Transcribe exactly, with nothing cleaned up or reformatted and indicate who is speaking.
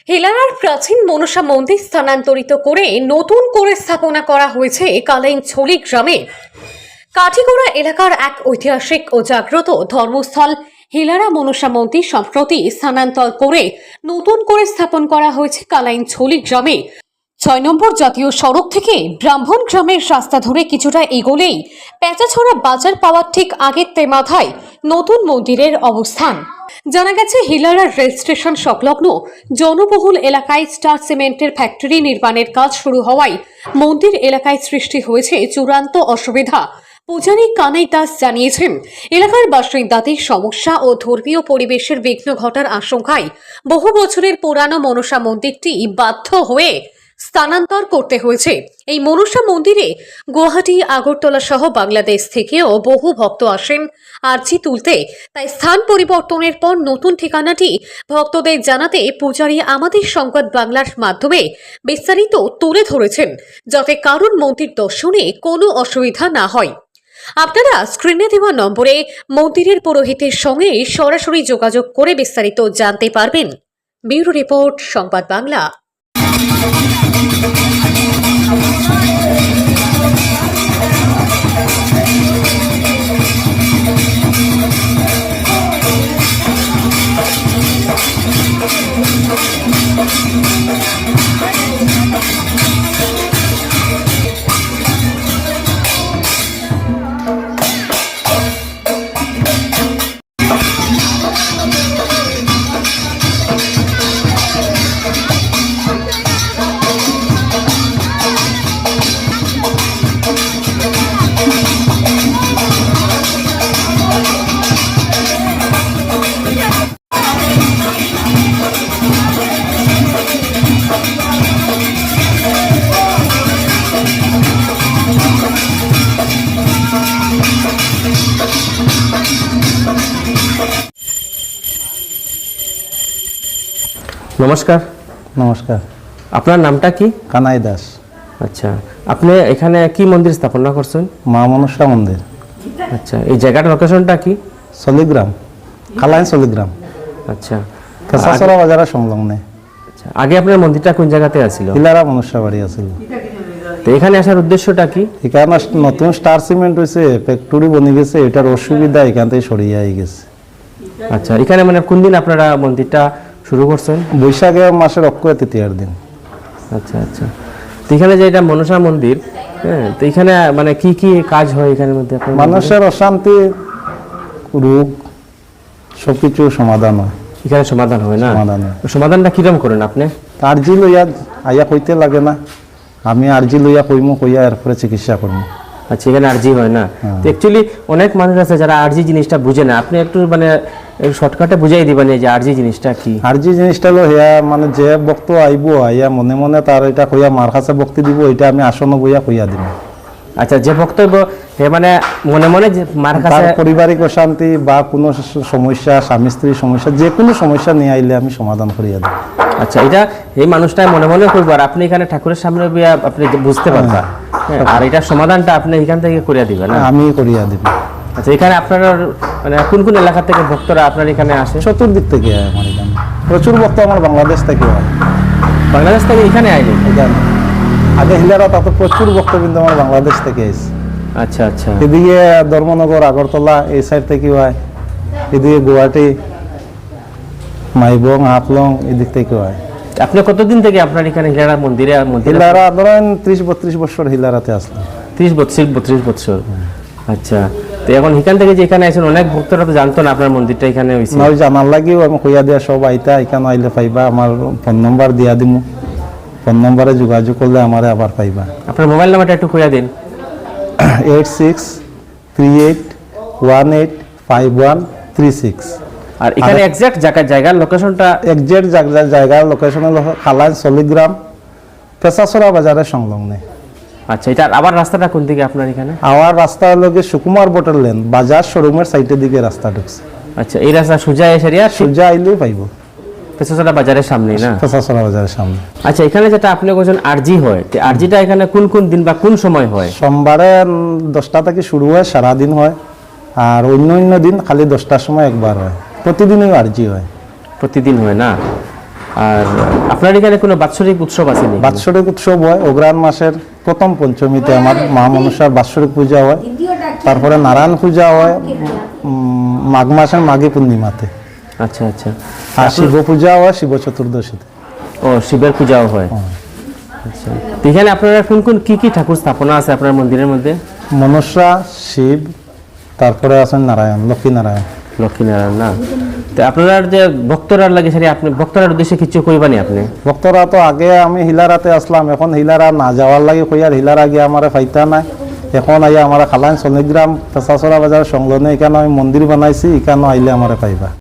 Speaker 1: হেলারার প্রাচীন মনসা মন্দির স্থানান্তরিত করে নতুন করে স্থাপনা করা হয়েছে কালাইনছড়ি গ্রামে। কাঠিগোড়া এলাকার এক ঐতিহাসিক ও জাগ্রত ধর্মস্থল হেলারা মনসা মন্দির সম্প্রতি স্থানান্তর করে নতুন করে স্থাপন করা হয়েছে কালাইনছড়ি গ্রামে। ছয় নম্বর জাতীয় সড়ক থেকে ব্রাহ্মণ গ্রামের রাস্তা ধরে কিছুটা এগোলেই পেঁচাছড়া বাজার পাওয়ার ঠিক আগের তেমাথায় নতুন মন্দিরের অবস্থান। জানা গেছে, হিলারা রেল স্টেশন সংলগ্ন জনবহুল এলাকায় স্টার সিমেন্টের ফ্যাক্টরি নির্মাণের কাজ শুরু হওয়ায় মন্দির এলাকায় সৃষ্টি হয়েছে চূড়ান্ত অসুবিধা। পূজারী কানাই দাস জানিয়েছেন, এলাকার বাসিন্দাদের সমস্যা ও ধর্মীয় পরিবেশের বিঘ্ন ঘটার আশঙ্কায় বহু বছরের পুরানো মনসা মন্দিরটি বাধ্য হয়ে স্থানান্তর করতে হয়েছে। এই মনসা মন্দিরে গুয়াহাটি, আগরতলা সহ বাংলাদেশ থেকেও বহু ভক্ত আসেন আরজি তুলতে। তাই স্থান পরিবর্তনের পর নতুন ঠিকানাটি ভক্তদের জানাতে পূজারী আমাদের সংবাদ বাংলার মাধ্যমে বিস্তারিত তুলে ধরেছেন, যাতে কারণ মন্দির দর্শনে কোনো অসুবিধা না হয়। আপনারা স্ক্রিনে দেওয়া নম্বরে মন্দিরের পুরোহিতের সঙ্গে সরাসরি যোগাযোগ করে বিস্তারিত জানতে পারবেন। ব্যুরো রিপোর্ট, সংবাদ বাংলা।
Speaker 2: নমস্কার।
Speaker 3: নমস্কার।
Speaker 2: আপনার নামটা কি?
Speaker 3: কানাই দাস।
Speaker 2: আচ্ছা, আপনি এখানে কি মন্দির স্থাপনা করছেন?
Speaker 3: মা মনসা মন্দির।
Speaker 2: আচ্ছা, এই জায়গাটার লোকেশনটা কি?
Speaker 3: সলিগ্রাম, কালাইন সলিগ্রাম।
Speaker 2: আচ্ছা,
Speaker 3: পেশাছড়া বাজারের সংলগ্নে।
Speaker 2: আচ্ছা, আগে আপনার মন্দিরটা কোন জায়গাতে আছিল?
Speaker 3: হিলারা মনসা বাড়ি আছিল।
Speaker 2: তো এখানে আসার উদ্দেশ্যটা কি?
Speaker 3: এখানে নতুন স্টার সিমেন্ট হয়েছে, ফ্যাক্টরি বনে গেছে, এটার অসুবিধা এখান থেকে সরিয়ে গেছে।
Speaker 2: আচ্ছা, এখানে মানে কোন দিন আপনারা মন্দিরটা শুরু করছেন?
Speaker 3: বৈশাখে মাসের অক্ষয় তৃতীয়ার দিন।
Speaker 2: আচ্ছা আচ্ছা, তো এখানে যে এটা মনসা মন্দির, হ্যাঁ, তো এখানে মানে কি কি কাজ হয় এখানের মধ্যে?
Speaker 3: মানুষের অশান্তি, রোগ সবকিছু সমাধান হয়
Speaker 2: এখানে। সমাধান হয় না?
Speaker 3: সমাধান হয়।
Speaker 2: সমাধানটা কিরকম করেন আপনি?
Speaker 3: আর্জি লইয়া আইয়া কইতে লাগে না, আমি আর্জি লইয়া কইমু, কইয়া এরপরে চিকিৎসা করবো।
Speaker 2: আচ্ছা, এখানে আরজি হয় না? তো অ্যাকচুয়ালি অনেক মানুষ আছে যারা আরজি জিনিসটা বুঝে না, আপনি একটু মানে শর্টকাটে বুঝাই দিবেন যে আরজি জিনিসটা কি?
Speaker 3: আরজি জিনিসটা হলো হিয়া মানে যে বক্ত আইব আইয়া মনে মনে তার এটা কইয়া মার কাছে বক্তি দিব, এটা আমি আসন বইয়া কইয়া দিব।
Speaker 2: আচ্ছা, যে বক্তব্য হে মানে মনে মনে যে মার কাছে
Speaker 3: পারিবারিক অশান্তি বা কোনো সমস্যা, স্বামী স্ত্রীর সমস্যা, যে কোনো সমস্যা নিয়ে আইলে আমি সমাধান করিয়া দিই।
Speaker 2: আচ্ছা, এটা এই মানুষটা মনে মনে করবো আর আপনি এখানে ঠাকুরের সামনে আপনি বুঝতে পারবেন, আর এটা সমাধানটা আপনি এখান থেকে করিয়া দিবেন?
Speaker 3: আমি করিয়া দিব।
Speaker 2: আচ্ছা, এখানে আপনার মানে কোন কোন এলাকা থেকে ভক্তরা আপনার এখানে আসে?
Speaker 3: চতুর্দিক থেকে আমার এখানে প্রচুর ভক্ত আমার বাংলাদেশ থেকে হয়।
Speaker 2: বাংলাদেশ থেকে এখানে আইনি?
Speaker 3: এখানে আগে হিলারা তাতে প্রচুর ভক্ত কিন্তু আমার বাংলাদেশ থেকে এসে।
Speaker 2: আচ্ছা আচ্ছা,
Speaker 3: এদিকে ধর্মনগর, আগরতলা এই সাইড থেকে হয়, এদিকে গুয়াহাটি, মাইবং, হাফলং এদিক থেকে হয়।
Speaker 2: আপনি কতদিন থেকে আপনার এখানে হিলারা মন্দিরে?
Speaker 3: হিলারা ধরেন ত্রিশ বত্রিশ বছর হিলারাতে আসলো।
Speaker 2: ত্রিশ বত্রিশ বত্রিশ বছর। আচ্ছা, তো এখন এখান থেকে যে এখানে আছেন অনেক ভক্তরা তো জানতো না আপনার মন্দিরটা এখানে হয়েছে।
Speaker 3: না, জানার লাগেও আমি কইয়া দিয়া সব আইতা, এখানে আইলে পাইবা, আমার ফোন নম্বর দিয়া দিমু, ফোন নম্বরে যোগাযোগ করলে আমারে আবার পাইবা।
Speaker 2: আপনার মোবাইল নাম্বারটা একটু কইয়া দিন।
Speaker 3: Eight six three eight one eight five one three six.
Speaker 2: আর এখানে এক্সাক্ট জায়গা জায়গার লোকেশনটা?
Speaker 3: এক্সাক্ট জায়গার লোকেশন হলো কালাইন সলিগ্রাম, পেশাছড়া বাজারের সংলগ্নে।
Speaker 2: আচ্ছা, এটা আবার রাস্তাটা কোন দিকে আপনার এখানে?
Speaker 3: আমার রাস্তা হলো কি সুকুমার বোটের লেন, বাজার শোরুমের সাইডের দিকে রাস্তা ঢুকছে।
Speaker 2: আচ্ছা, এই রাস্তা সোজা এসে
Speaker 3: সোজা আইলেই পাইব,
Speaker 2: পেশাছড়া বাজারের সামনে না?
Speaker 3: পেশাছড়া বাজারের সামনে।
Speaker 2: আচ্ছা, এখানে যেটা আপনি বলছেন আরজি হয়, আরজিটা এখানে কোন কোন দিন বা কোন সময় হয়?
Speaker 3: সোমবারে দশটা থেকে শুরু হয়, সারাদিন হয়, আর অন্য অন্য দিন খালি দশটার সময় একবার হয়। প্রতিদিনই আরজি হয়।
Speaker 2: প্রতিদিন হয় না? আর আপনার এখানে কোনো বাৎসরিক উৎসব আছে নাকি?
Speaker 3: বাৎসরিক উৎসব হয় অগ্রহায়ণ মাসের প্রথম পঞ্চমীতে আমার মা মনসার বাৎসরিক পূজা হয়, তারপরে নারায়ণ পূজা হয় উম, মাঘ মাসের মাঘী পূর্ণিমাতে,
Speaker 2: আচ্ছা আচ্ছা।
Speaker 3: আর শিব পূজা হয় শিব চতুর্দশীতে।
Speaker 2: ও শিবের পূজাও হয়। আচ্ছা, তো এখানে আপনারা কোন কোন কি কি ঠাকুর স্থাপনা আছে আপনার মন্দিরের মধ্যে?
Speaker 3: মনসা, শিব, তারপরে আছেন নারায়ণ, লক্ষ্মী নারায়ণ।
Speaker 2: লক্ষ্মীনারায়ণ না? তো আপনারা যে ভক্তরা লাগে সেটা আপনি ভক্তরার উদ্দেশ্যে কিছু কইবানি আপনি?
Speaker 3: ভক্তরা তো আগে আমি হিলারাতে আসলাম, এখন হিলারা না যাওয়ার লাগে কই আর হিলারা গিয়ে আমার ফাইতা নাই। এখন আইয়া আমার খালাইন সনিগ্রাম পেশাচরা বাজার সংলগ্নে এখানে আমি মন্দির বানাইছি, এখানে আইলে আমার পাইবা।